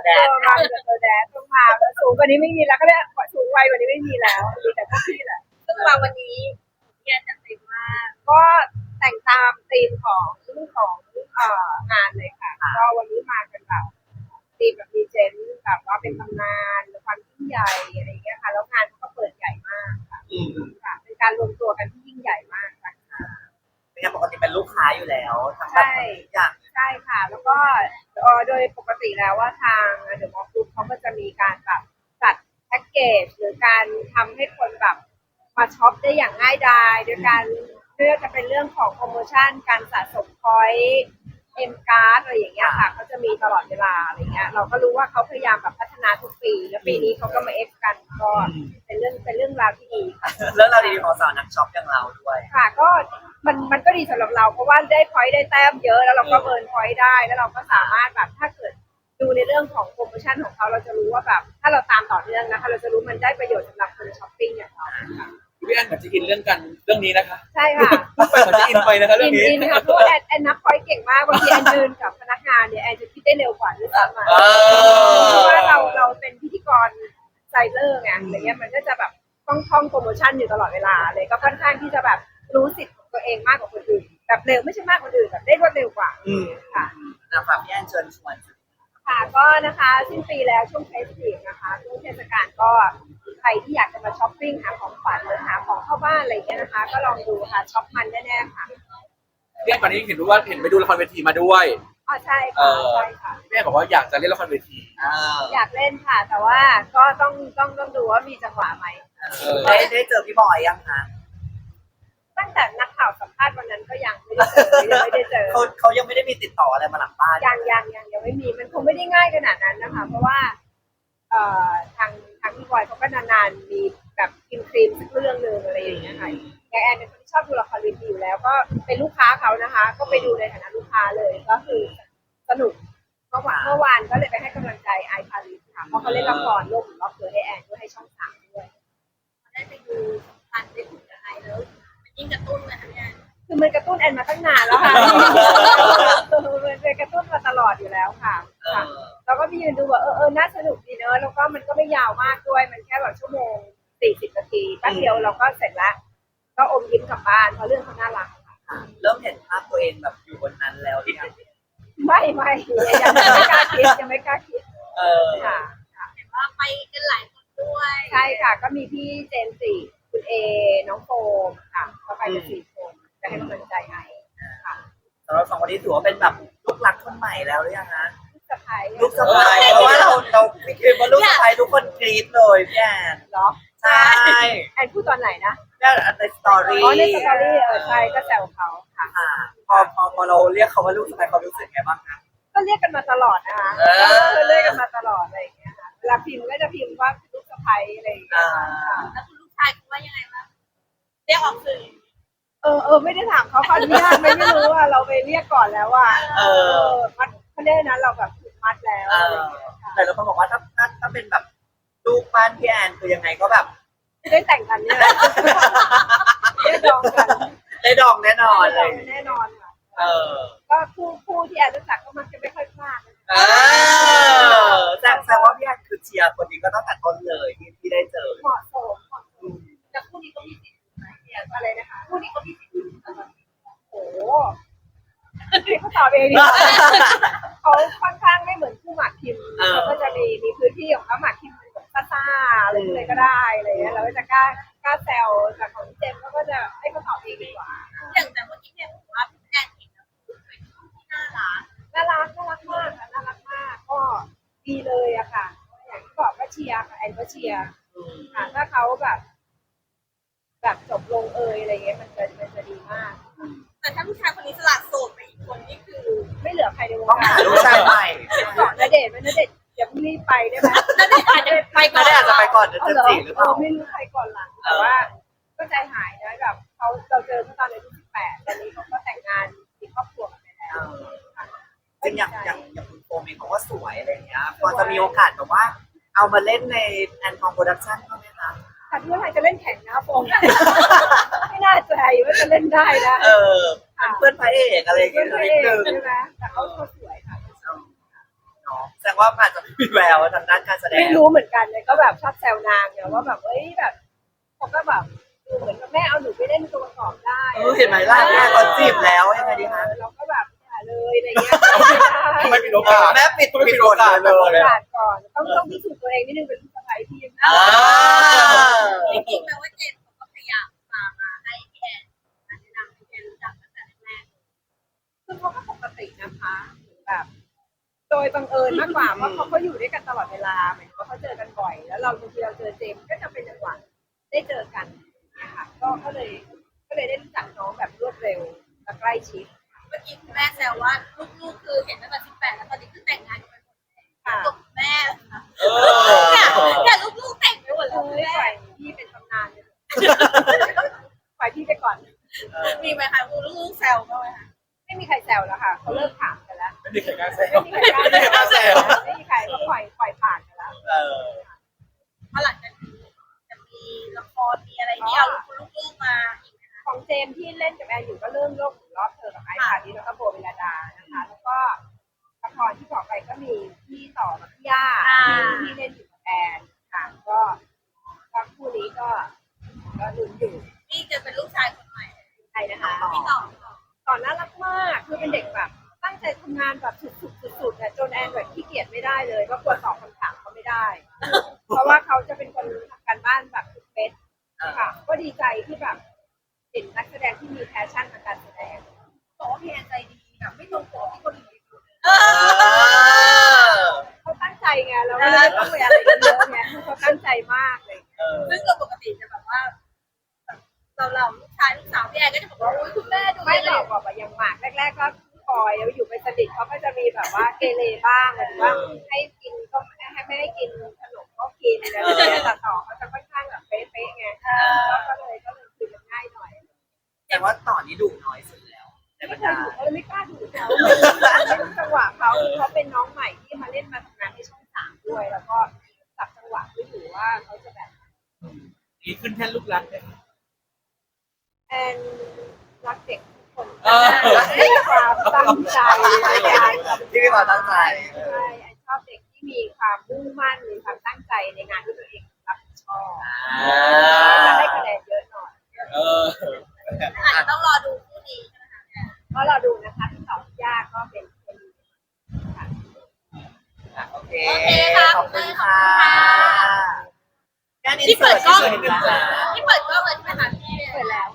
แดดมาจากตัวแดดต้องมาสูงกว่านี้ไม่มีแล้วก็ได้สูงวัยกว่านี้ไม่มีแล้วมีแต่พวกพี่แหละซึ่งมาวันนี้เนี่ยจะเต็มมากก็แต่งตามธีมของงานเลยค่ะก็วันนี้มากันแบบธีมแบบดีเจนแบบว่าเป็นตำนานความยิ่งใหญ่อะไรอย่างเงี้ยค่ะแล้วงานก็เปิดใหญ่มากค่ะเป็นการรวมตัวกันที่ยิ่งใหญ่มากค่ะเป็นงานปกติเป็นลูกค้าอยู่แล้วทั้งแบบทุกอย่างใช่ค่ะแล้วก็โดยปกติแล้วว่าทางเดอะมอลล์กรุ๊ปเขาก็จะมีการแบบจัดแพ็กเกจหรือการทำให้คนแบบมาช็อปได้อย่างง่ายดายโดยการเลือกจะเป็นเรื่องของโปรโมชั่นการสะสมพอยต์เอ็มการ์ดอะไรอย่างเงี้ยค่ะเขาจะมีตลอดเวลาอะไรเงี้ยเราก็รู้ว่าเขาพยายามแบบพัฒนาทุกปีแล้วปีนี้เขาก็มาเอ็กซ์กันก็เป็นเรื่องราวที่ดีค่ะเรื่องราวดีๆของสาวนักช็อปอย่างเราด้วยค่ะก็มันก็ดีสำหรับเราเพราะว่าได้พอยต์ได้แต้มเยอะแล้วเราก็เบิร์นพอยต์ได้แล้วเราก็สามารถแบบถ้าเกิดดูในเรื่องของโปรโมชั่นของเขาเราจะรู้ว่าแบบถ้าเราตามต่อเนื่องนะคะเราจะรู้มันได้ประโยชน์สำหรับคนช้อปปิ้งอย่างเราพี่แอนเหมือนจะอินเรื่องนี้นะคะใช่ค่ะไปเหมือนจะอินไปนะคะเรื่องนี้อินค่ะเพราะแอนนับพอยต์เก่งมากบางทีแอนยืนกับพนักงานเนี่ยแอนจะคิดได้เร็วกว่าด้วยซ้ำเพราะว่าเราเป็นพิธีกรไซเลอร์ไงอะไรเงี้ยมันก็จะแบบท่องโปรโมชั่นอยู่ตลอดเวลาเลยก็ค่อนข้างที่จะแบบรู้สิทธิ์ของตัวเองมากกว่าคนอื่นแบบเร็วไม่ใช่มากกว่าคนอื่นแบบได้รวดเร็วกว่าค่ะฝากพี่แอนเชิญชวนค่ะก็นะคะสิ้นปีแล้วช่วงเฟสติฟนะคะช่วงเทศกาลก็ใครที่อยากจะมาช้อปปิ้งหาของขวัญหรือหาของเข้าบ้านอะไรเงี้ยนะคะก็ลองดูค่ะช็อปมันแน่ๆค่ะพี่แอนตอนนี้เห็นไปดูละครเวทีมาด้วยอ๋อใช่ค่ะใช่ค่ะพี่แอนบอกว่าอยากจะเล่นละครเวทีอยากเล่นค่ะแต่ว่าก็ต้องดูว่ามีจังหวะไหมได้เจอพี่บอยยังคะตั้งแต่นักข่าวสัมภาษณ์วันนั้นก็ยังไม่ได้เจอเขายังไม่ได้มีติดต่ออะไรมาหลังบ้านยังไม่มีมันคงไม่ได้ง่ายขนาดนั้นนะคะเพราะว่าทางพี่บอยเขาก็นานๆมีแบบกินครีมสักเรื่องนึงอะไรอย่างเงี้ยค่ะอย่างแอนเป็นคนที่ชอบดูละครเวทีอยู่แล้วก็เป็นลูกค้าเขานะคะก็ไปดูในฐานะลูกค้าเลยก็คือสนุกเมื่อวานก็เลยไปให้กำลังใจไอพาริสค่ะเพราะเขาเล่นละครโลกหมุนรอบตัวให้แอนด้วยให้ช่อง3ด้วยได้ไปดูทันได้คุยกับไอแล้วยิ่งกระตุ้นเลยค่ะเนี่ยคือมันกระตุ้นแอนมาตั้งนานแล้วค่ะมันเป็นกระตุ้นมาตลอดอยู่แล้วค่ะเราก็ไปยืนดูว่าน่าสนุกดีเนอะแล้วก็มันก็ไม่ยาวมากด้วยมันแค่แบบชั่วโมง40 นาทีแป๊บเดียวเราก็เสร็จแล้วก็อมยิ้มกลับบ้านเพราะเรื่องเขาน่ารักค่ะเริ่มเห็นภาพตัวเองแบบอยู่บนนั้นแล้วหรือยังไม่ยังไม่กล้าคิดค่ะเห็นว่าไปกันหลายคนด้วยใช่ค่ะก็มีพี่เจนสี่คุณเอน้องโฟมค่ะก็ไปกัน4 คนจะให้กำลังใจไอค่ะสำหรับ2 คนนี้ถือว่าเป็นแบบลูกรักคนใหม่แล้วหรือยังคะลูกสะใภ้เพราะว่าเราคิดว่าลูกสะใภ้ทุกคนกรี๊ดเลยพี่แอนเหรอใช่แอนพูดตอนไหนนะในสตอรี่ในสตอรี่ใช่ก็แซวเขาค่ะพอเราเรียกเขาว่าลูกสะใภ้เขารู้สึกไงบ้างคะก็เรียกกันมาตลอดนะคะเรียกกันมาตลอดอะไรอย่างเงี้ยค่ะเวลาพิมพ์ก็จะพิมพ์ว่าลูกสะใภ้อะไรอย่างเงี้ยแล้วคุณลูกชายคุณว่ายังไงบ้างเรียกออกสื่อไม่ได้ถามเขาขออนุญาตไม่รู้ว่าเราไปเรียกก่อนแล้วว่ามัดเขาได้นั้นเราแบบถูกมัดแล้วแต่เราบอกว่าถ้าเป็นแบบลูกบ้านพี่แอนคือยังไงก็แบบได้แต่งกันเนี่ยได้ดองกันได้ดองแน่นอนเลยแน่นอนค่ะก็คู่ที่แอนรู้จักก็มักจะไม่ค่อยพลาดแสดงว่าพี่แอนคือเชียร์คนนี้ก็ตั้งแต่ต้นเลยที่ได้เจอเหมาะสมแต่คู่นี้ก็มีสิทธิ์อะไรนะคะคู่นี้ก็มีสิทธิ์โอ้โหเขาตอบเองเขาค่อนข้างไม่เหมือนคู่หมากคิมเขาก็จะมีพื้นที่ของเขาหมากคิมเป็นแบบซ่าอะไรเลยก็ได้อะไรเงี้ยเราก็จะกล้าแซวแต่ของเจมก็จะให้เขาตอบเองดีกว่าอย่างแต่เมื่อกี้เนี่ยผมว่าพี่แอนเห็นแล้วเป็นคู่ที่น่ารักมากค่ะน่ารักมากก็ดีเลยอะค่ะอย่างที่บอกก็เชียร์ค่ะแอนก็เชียร์ค่ะถ้าเขาแบบจบลงอะไรเงี้ยมันจะดีมากแต่ถ้าผู้ชายคนนี้สลัดโสดไปอีกคนนี่คือไม่เหลือใครในวงการลูกชายใหม่ก่อนณเดชน์อย่าเพิ่งรีบไปได้ไหมณเดชน์อาจจะไปก่อนอาจจะไปก่อนจะจีหรือเปล่าไม่รู้ใครก่อนหลังแต่ว่าก็ใจหายนะแบบเราเจอเมื่อตอนอายุ18ตอนนี้เขาก็แต่งงานมีครอบครัวกันไปแล้วจริงอย่างคุณโฟมเองเขาก็สวยอะไรอย่างเงี้ยพอจะมีโอกาสแบบว่าเอามาเล่นในแอนทองโปรดักชั่นบ้างไหมคะถ้าเพื่อนใครจะเล่นแข่งนะโฟมไม่น่าใจว่าจะเล่นได้นะเพื่อนพระเอกอะไรอย่างเงี้ยนิดนึงใช่ไหมแต่เขาสวยค่ะแสแต่ว่าอาจจะมีแววทางด้านการแสดงไม่รู้เหมือนกันเลยก็แบบชอบแซวนางเนี่ยว่าแบบเอ้ยแบบเขาก็แบบดูเหมือนกับแม่เอาหนูไปเล่นตัวประกอบได้เห็นไหมล่ะแม่เขาจีบแล้วยังไงดีคะเราก็แบบอย่าเลยอะไรเงี้ยทำไมปิดโอกาสแม่ปิดไม่ปิดโอกาสเลยโอกาสก่อนต้องพิสูจน์ตัวเองนิดนึงเป็นลูกสะใภ้ที่ยังอ่าจริงๆแปลว่าเจมส์เขาก็พยายามมาให้พี่แอนแนะนำให้พี่แอนรู้จักตั้งแต่แรกคือเขาก็ปกตินะคะแบบโดยบังเอิญมากกว่าเพราะเขาอยู่ด้วยกันตลอดเวลาเหมือนเขาเจอกันบ่อย แล้วเราบางทีเราเจอเจมส์ก็จะเป็นจังหวะได้เจอกันนะคะก็เลยได้รู้จักน้องแบบรวดเร็วและใกล้ชิดเมื่อกี้คุณแม่แซวว่าลูกๆคือเห็นตั้งแต่18แล้วตอนนี้คือแต่งงานกันไปหมดแล้วค่ะจบแม่ค่ะเออเนี่ยลูกๆแต่งไปหมดเอแล้วอแม่ปล่อยพี่เป็นตำนานเลยปล่อยพี่ไปก่อนมีไหมคะลูกๆแซวบ้างไหมคะไม่มีใครแซวแล้วค่ะเขาเลิกถามกันแล้วไม่มีใครกล้าแซวไม่มีใครกล้าแซวไม่มีใครก็ปล่อยผ่านกันแล้วเออเพราะหลังจากนี้จะมีละครมีอะไรที่เอาลูกๆมาอีกไหมคะของเจมส์ที่เล่นกับแอนอยู่ก็เรื่องโลกหมุนรอบเธอกับไอซ์พาริสแล้วก็โบเวลาดานะคะ แล้วก็ละครที่บอกไปก็มีพี่ต่อกับพี่ย่าที่เล่นอยู่กับแอนค่ะก็คู่นี้ก็ลุ้นอยู่นี่จะเป็นลูกชายคนใหม่ใครนะคะพี่ต่อตอนน่ารักมากคือเป็นเด็กแบบตั้งใจทำงานแบบสุดๆเนี่ยจนแอนแบบขี้เกียจไม่ได้เลยก็กลัวตอบคำถามเขาไม่ได้ เพราะว่าเขาจะเป็นคนทำการบ้านแบบทุกเม็ดค่ะก็ดีใจที่แบบเห็นนักแสดงที่มีแพชชั่นทางการแสดงบอกว่าพี่แอนใจดีแบบไม่ตรงปกที่คนอื่นคิดเขาตั้งใจไงเราไม่ได้ต้องไปอะไรกันเยอะไงเขาตั้งใจมากเลยซึ่งโดยปกติจะแบบว่าเราลูกชายลูกสาวพี่แอนก็จะบอกว่าอุ้ยคุณแม่ดูไม่ไม่หหรลออก กแบบอย่างหมากแรกๆก็คอยแล้วอยู่เป็นสนิทเขาก็จะมีแบบว่าเกเรบ้างหรือว่าให้กินก็ไม่ให้กินขนมก็กินอะไรอย่างเงี้ยแต่ต่อเขาจะค่อนข้างแบบเป๊ะๆไงก็เลยคุยกันง่ายหน่อยแต่ว่าต่อนนี้ดุน้อยสุดแล้วในบรไม่รเคยดาดูเขาเลยไม่กล้าดูเขาไม่รู้จังหวะเขาเป็นน้องใหม่ที่มาเล่นมาทำงานที่ช่อง3ด้วย แล้วก็จับจังหวะไม่อยู่ว่าเขาจะแบบนี่ขึ้นแท่นลูกรักเลยแอนรักเด็กทุกคนเออมีความตั้งใจในการทำที่มีความตั้งใจใช่แอนชอบเด็กที่มีความมุ่งมั่นมีความตั้งใจในงานที่ตัวเองรับผิดชอบจะได้คะแนนเยอะหน่อยเอออาจจะต้องรอดูคู่นี้ใช่ไหมคะเพราะเราดูนะคะที่สองยากก็เป็นดีค่ะโอเคโอเคค่ะขอบคุณค่ะที่เปิดกล้องที่เปิดกล้องเลยใช่ไหมคะพี่เปิดแล้ว